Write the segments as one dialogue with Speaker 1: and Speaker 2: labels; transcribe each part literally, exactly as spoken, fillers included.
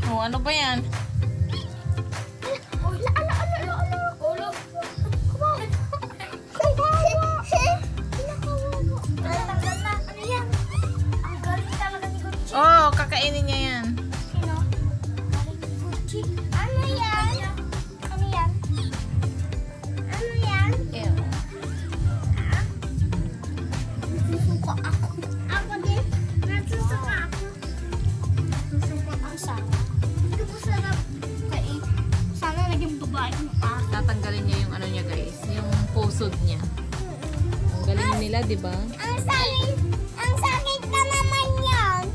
Speaker 1: Oh, ano ba yan?
Speaker 2: Oh, ala, ala, ala, ala, ala. Ulo. Kumain. Kawawa. Kinakawawa. Natanggal na. Ano yan? Ang galing talaga ni Gucci.
Speaker 1: Oh, kakainin niya yan.
Speaker 2: Sino? Galing ni Gucci. Ano yan? Ano yan? Ano yan?
Speaker 1: Ew.
Speaker 2: Nasusuka ako. Ako din. Nasusuka ako. Nasusuka ang sarap. Hindi ko sarap. Kaya, sana naging babae mo pa.
Speaker 1: Tatanggalin niya yung ano niya guys, yung pusod niya. Ang galing nila, di ba?
Speaker 2: Ang sakit, ang sakit na naman yan.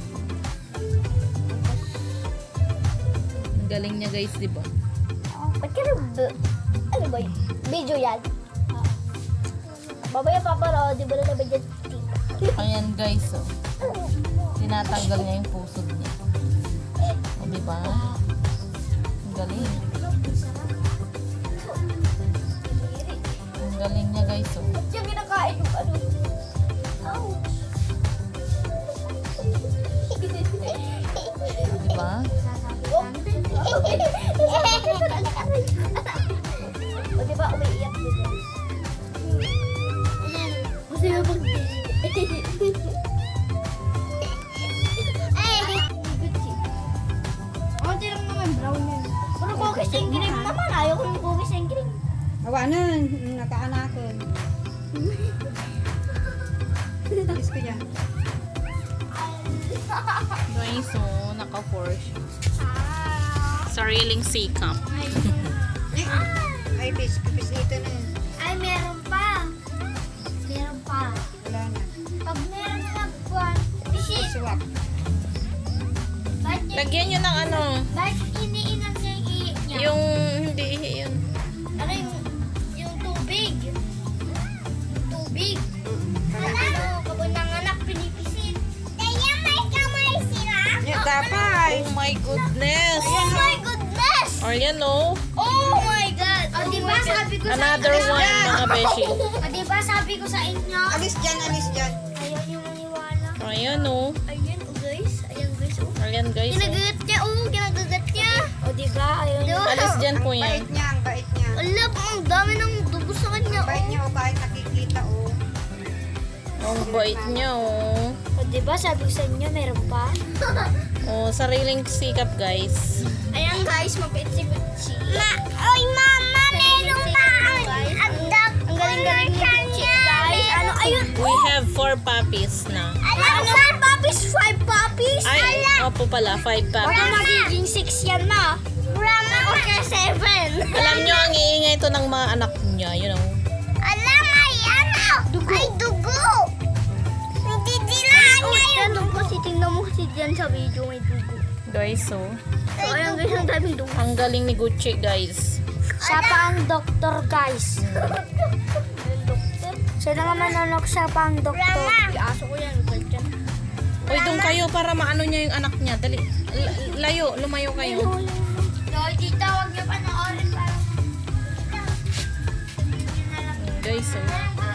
Speaker 1: Ang galing niya guys, di ba?
Speaker 2: Ba't ka na, ano ba yun? Video yan. Babaya paparo, di ba na naman dyan?
Speaker 1: Ayan guys, oh. Tinatanggal niya yung pusod niya. O, di ba? Ang galing. Ang galing niya guys, oh.
Speaker 2: Ba't yung kinakain yung ano? Ouch.
Speaker 1: Di ba?
Speaker 2: O di ba umiiyak din yan? Gusto mo bang ay, Gucci. Konti lang naman, brown yan. Pero cookies and cream naman, ayaw ko yung cookies and cream.
Speaker 3: Awa na, nakaanakon. Alis ko dyan.
Speaker 1: Guys, oh, naka-force. Sariling sikap.
Speaker 3: Ay, bis, pipis ito na.
Speaker 2: Ay, meron pa. Meron pa.
Speaker 3: Wala na.
Speaker 2: Pag meron na nagbuwan, bisi,
Speaker 3: Swap.
Speaker 2: bakit niya,
Speaker 1: Lagyan nyo ng ano,
Speaker 2: bakit iniinom niya yung iik niya?
Speaker 1: yung hindi yun.
Speaker 2: Ano yung, yung tubig? Tubig. Ano, kabunanganak, pinipisit. Kaya may kamay sila?
Speaker 3: Yeah, tapay.
Speaker 1: Oh my goodness!
Speaker 2: Oh my goodness!
Speaker 1: Or yan, oh.
Speaker 2: Oh my God! O diba sabi ko
Speaker 1: Another
Speaker 2: sa
Speaker 1: one, mga beshi.
Speaker 2: O diba sabi ko sa inyo?
Speaker 3: Alis dyan, alis dyan.
Speaker 2: Ayaw niyo maniwala.
Speaker 1: Ayan, oh.
Speaker 2: Ayan, oh guys. Ayan guys, oh.
Speaker 1: Ayan, guys, oh.
Speaker 2: Kinagagat niya, oh. Kinagagat niya. O diba? Ayaw niyo.
Speaker 1: Alis dyan po
Speaker 3: Ang
Speaker 1: yan.
Speaker 3: bait niya, ang bait niya.
Speaker 2: Alam, ang dami ng dugo sa kanya,
Speaker 3: Ang bait
Speaker 2: oh.
Speaker 3: niya, o kahit nakikita, o.
Speaker 1: Ang bait niya, oh.
Speaker 2: O diba sabi ko sa inyo, meron pa?
Speaker 1: Oh, sariling sikap, guys.
Speaker 2: Ayan guys, mabait si Gucci. Ma, oy mama, meron pa ang dog. Ang galing-galing ni Gucci, guys. Ano, ayun.
Speaker 1: We have four puppies na.
Speaker 2: Ano, five puppies, five puppies?
Speaker 1: Ay, opo pala, five
Speaker 2: Baka
Speaker 1: puppies.
Speaker 2: magiging six yan na. Rama, okay, seven.
Speaker 1: Alam nyo, ang iingay ito ng mga anak niya, you know.
Speaker 2: Alam, ay ano? Dugo. Ay, dugo. Hindi dilaan niya yung dugo. Kasi tingnan mo kasi dyan sa video may dugo.
Speaker 1: Guys, so.
Speaker 2: So, ayun guys, ang daming dugo.
Speaker 1: Ang galing ni Gucci, guys.
Speaker 2: Siya pa ang doktor, guys. Siya na nga manonok, siya pa ang doktor. Iaso ko yan, balik yan.
Speaker 1: Uy, doon kayo para maano niya yung anak niya. Dali, L- layo, lumayo kayo.
Speaker 2: Yoy, tita, huwag niyo panoorin para.
Speaker 1: Guys, so.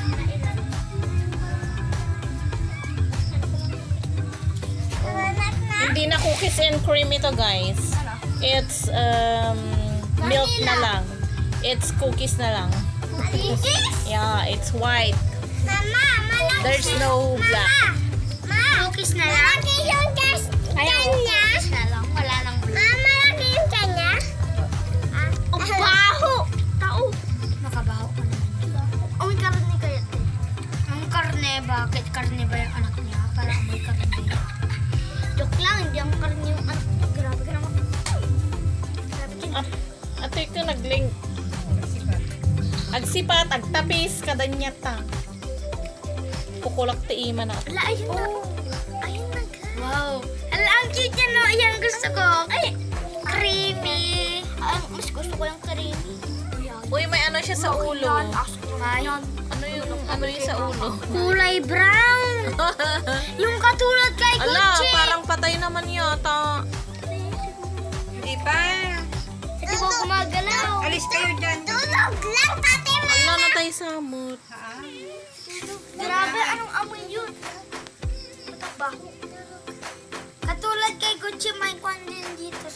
Speaker 1: Hindi na cookies and cream ito, guys. It's um, milk na lang. It's cookies na lang.
Speaker 2: Cookies?
Speaker 1: Yeah, it's white.
Speaker 2: Mama, malaki.
Speaker 1: There's no black.
Speaker 2: Ma, cookies na lang. Malaki yung gas kanya. Cookies na lang, wala nang black. Ma, malaki yung kanya. Ah, ang baho. Tao. Nakabaho ka naman. Amoy karne kaya. Ang karne, bakit karne ba yung anak niya? Para amoy karne. Joke lang, hindi ang karne yung anak niya. Grabe ka naman. Grabe ka
Speaker 1: Ah, ato ito nagling. Agsipat, agtapis, kadanyata. Pukulak ti ima na.
Speaker 2: Ala, ayun na. Ayun na, guys. Wow. Ala, ang cute yan, no? Ayan, gusto ko. Ay, creamy. Ay, mas gusto ko yung creamy.
Speaker 1: Uy, may ano siya sa ulo.
Speaker 2: Ayan.
Speaker 1: Ano yung, ano yung sa ulo?
Speaker 2: Kulay brown. Yung katulad kay
Speaker 1: Ala,
Speaker 2: Gucci.
Speaker 1: parang patay naman yata.
Speaker 3: Hindi pa.
Speaker 2: Hindi ko gumagalaw.
Speaker 3: Alis kayo dyan.
Speaker 2: Tulog lang, tate mo.
Speaker 1: Ala, natay samot.
Speaker 2: Grabe, anong amoy yun? Matabaho. Katulad kay Gucci, may kwan din dito sa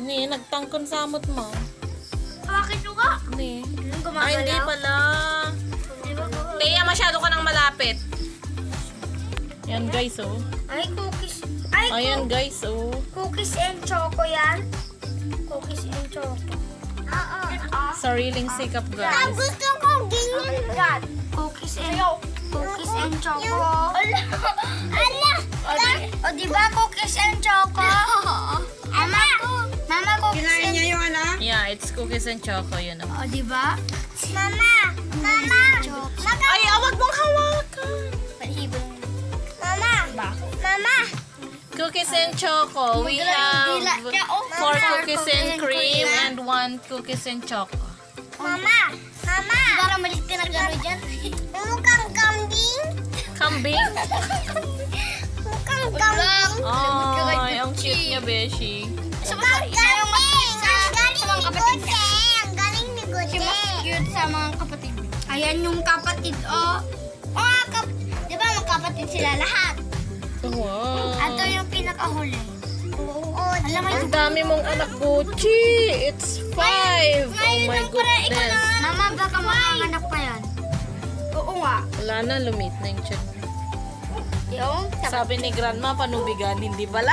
Speaker 1: Ni, nagtangkon sa amot mo.
Speaker 2: Bakit ko ka?
Speaker 1: Ni.
Speaker 2: Anong
Speaker 1: Ay, hindi pala. Leia, masyado ka nang malapit. Yan guys, oh.
Speaker 2: Ay, cookies. Ay,
Speaker 1: Ayan guys, oh.
Speaker 2: cookies and choco yan. Cookies and choco. Oo.
Speaker 1: Sariling sikap guys.
Speaker 2: gusto ko ganyan. Cookies and cookies and choco. Ala. Ala. O, di, o diba cookies and choco? Mama. Mama, cookies
Speaker 3: Kinain
Speaker 2: and
Speaker 3: niya yung ano?
Speaker 1: Yeah, it's cookies and choco, yun oh.
Speaker 2: O, diba? Mama. Mama.
Speaker 1: Ay, awag mong hawakan.
Speaker 2: Mama. Mama.
Speaker 1: Cookies and choco. We have four cookies and cream and one cookies and choco.
Speaker 2: Mama. Mama. Para malit ka na gano'n dyan. Mukhang kambing.
Speaker 1: Kambing?
Speaker 2: Mukhang kambing.
Speaker 1: Ay, ang cute niya, Beshi.
Speaker 2: Mukhang kambing. Ang galing ni Gote. Ang galing ni Gote. Cute sa mga kapatid. Ayan yung kapatid, oh. Mga kap... Di ba magkapatid sila lahat?
Speaker 1: Wow.
Speaker 2: Ato yung pinakahuli. Oo. Alam mo
Speaker 1: Ang dami mong anak, Gucci. It's five. Oh my goodness.
Speaker 2: Mama, baka makanganak pa yan. Oo nga.
Speaker 1: Wala na, lumit na yung chan.
Speaker 2: Yung?
Speaker 1: Sabi ni Grandma, panubigan, hindi pala.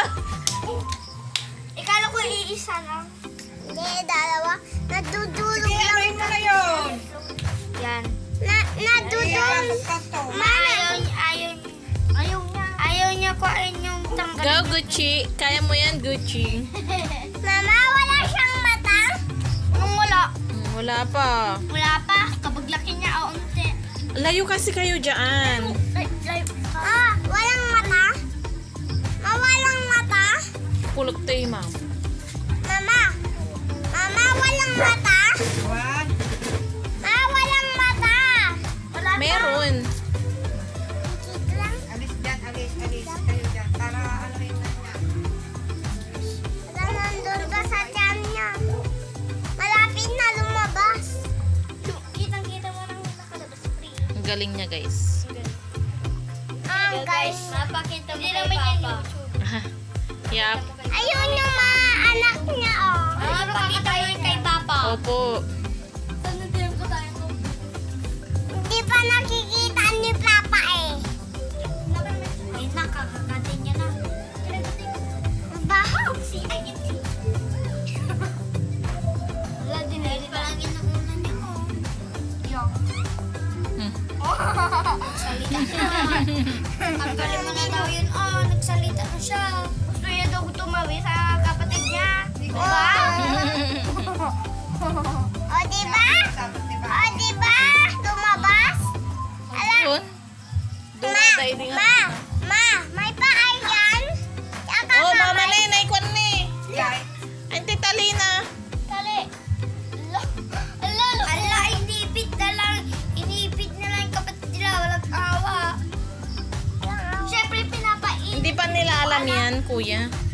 Speaker 2: Ikala ko iisa lang. Hindi, dalawa. Nadudulog
Speaker 3: Sige, anuhin mo na yun.
Speaker 2: yan. Na, nadudulog.
Speaker 3: Kanto.
Speaker 2: Ma, ayaw, ayaw, ayaw niya. Ayaw niya kuhain yung tanggal.
Speaker 1: Go, Gucci. Kaya mo yan, Gucci.
Speaker 2: Mama, wala siyang mata? Anong wala?
Speaker 1: Hmm, wala pa.
Speaker 2: Wala pa. Kapag laki niya, o unti.
Speaker 1: Layo kasi kayo dyan.
Speaker 2: Ah, walang mata? Ma, walang mata?
Speaker 1: Pulot tayo, ma'am.
Speaker 2: Mama, mama, walang mata?
Speaker 3: One.
Speaker 2: Ma, walang mata. Wala
Speaker 1: Meron.
Speaker 2: Dito lang.
Speaker 3: Alis dyan, alis, alis. Kayo dyan. Para anuhin na niya.
Speaker 2: Wala, nandun ka sa tiyan niya. Malapit na lumabas. Kitang-kita mo nang nakalabas free.
Speaker 1: Ang galing niya, guys.
Speaker 2: Ah, guys. Mapakita mo kay Papa.
Speaker 1: Yap.
Speaker 2: Ayun yung mga anak niya, oh. Ah, mapakita mo kay Papa.
Speaker 1: Opo.
Speaker 2: Hindi pa nakikita ni Papa eh. Ay, nakakakatin niya na. Mabaho. Wala din eh. Parang inuunan niya ko. Yung.
Speaker 1: Hmm.
Speaker 2: Salita siya. Tanggalin mo na daw yun. Oh, nagsalita na siya. Gusto niya daw tumawi sa kapatid niya. Diba? O, diba?
Speaker 3: Sabat, diba?
Speaker 2: O, diba? Lumabas? Ala,
Speaker 1: Yun.
Speaker 2: ma,
Speaker 1: Dumaday din
Speaker 2: ma, ma, may paa yan? Tsaka
Speaker 1: Oh, mama
Speaker 2: may-
Speaker 1: na yun. Naikwan na eh.
Speaker 3: Yay.
Speaker 1: Auntie Talina.
Speaker 2: Tali. Ala, ala, ala, inipit na lang. Inipit na lang yung kapatid nila. Walang awa. Siyempre, pinapain.
Speaker 1: Hindi pa nila alam yan, kuya.